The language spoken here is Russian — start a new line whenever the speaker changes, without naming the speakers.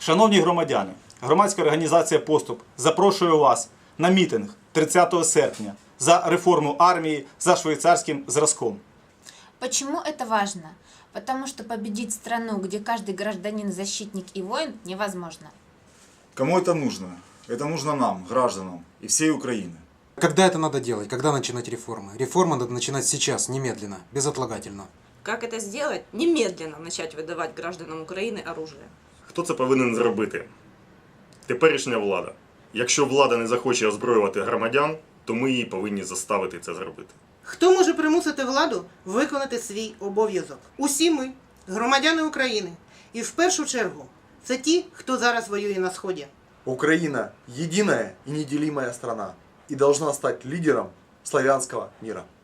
Шановні громадяни, громадська організація «Поступ» запрошує вас на мітинг 30 серпня за реформу армії за швейцарським зразком.
Почему это важно? Потому что победить страну, где каждый гражданин защитник и воин, невозможно.
Кому это нужно? Это нужно нам, гражданам и всей Украины.
Когда это надо делать? Когда начинать реформы? Реформы надо начинать сейчас, немедленно, безотлагательно.
Как это сделать? Немедленно начать выдавать гражданам України оружие.
Хто це повинен зробити? Теперішня влада. Якщо влада не захоче озброювати громадян, то ми її повинні заставити це зробити.
Хто може примусити владу виконати свій обов'язок? Усі ми, громадяни України. І в першу чергу, це ті, хто зараз воює на Сході.
Украина – единая и неделимая страна и должна стать лидером славянского мира.